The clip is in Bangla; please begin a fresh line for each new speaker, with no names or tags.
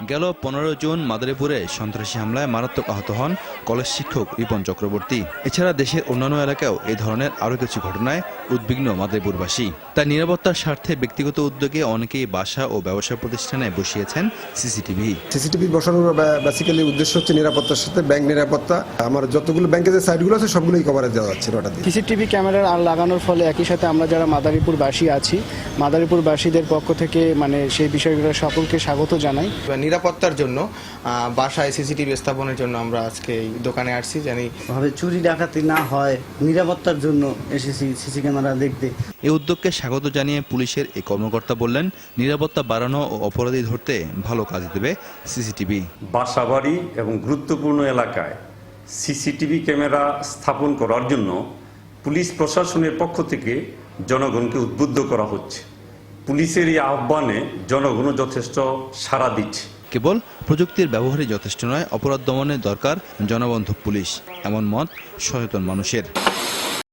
গেল 15 জুন মাদারীপুরে সন্ত্রাসী হামলায় মারাত্মক আহত হন কলেজ শিক্ষক রিপন চক্রবর্তী। এছাড়া দেশের অন্যান্য এলাকাও এই ধরনের আরও কিছু ঘটনায় উদ্বিগ্ন মাদারীপুরবাসী। তাই নিরাপত্তার স্বার্থে ব্যক্তিগত উদ্যোগে অনেকেই বাসা ও ব্যবসা প্রতিষ্ঠানে বসিয়েছেন
সিসিটিভি বসানোর বেসিক্যালি উদ্দেশ্য হচ্ছে নিরাপত্তার সাথে ব্যাংক নিরাপত্তা। আমার যতগুলো ব্যাংকের যে সাইটগুলো আছে সবগুলোই কভারেজ দেওয়া হচ্ছে ওটা দিয়ে।
সিসিটিভি ক্যামেরা লাগানোর ফলে একই সাথে আমরা যারা মাদারীপুরবাসী আছি, মাদারীপুরবাসীদের পক্ষ থেকে সেই বিষয়গুলো সকলকে স্বাগত জানাই।
নিরাপত্তার জন্য বাসায় সিসিটিভি স্থাপনের জন্য আমরা আজকে এই দোকানে আসছি, জানি
ভাবে চুরি ডাকাতি না হয়, নিরাপত্তার জন্য এসেছি সিসি ক্যামেরা দেখতে।
এই উদ্যোগকে স্বাগত জানিয়ে পুলিশের এই কর্মকর্তা বললেন, নিরাপত্তা বাড়ানো ও অপরাধী ধরতে ভালো কাজ দেবে সিসিটিভি।
বাসাবাড়ি এবং গুরুত্বপূর্ণ এলাকায় সিসিটিভি ক্যামেরা স্থাপন করার জন্য পুলিশ প্রশাসনের পক্ষ থেকে জনগণকে উদ্বুদ্ধ করা হচ্ছে। পুলিশের এই আহ্বানে জনগণও যথেষ্ট সাড়া দিচ্ছে।
কেবল প্রযুক্তির ব্যবহারই যথেষ্ট নয়, অপরাধ দমনে দরকার জনবন্ধু পুলিশ, এমন মত সচেতন মানুষের।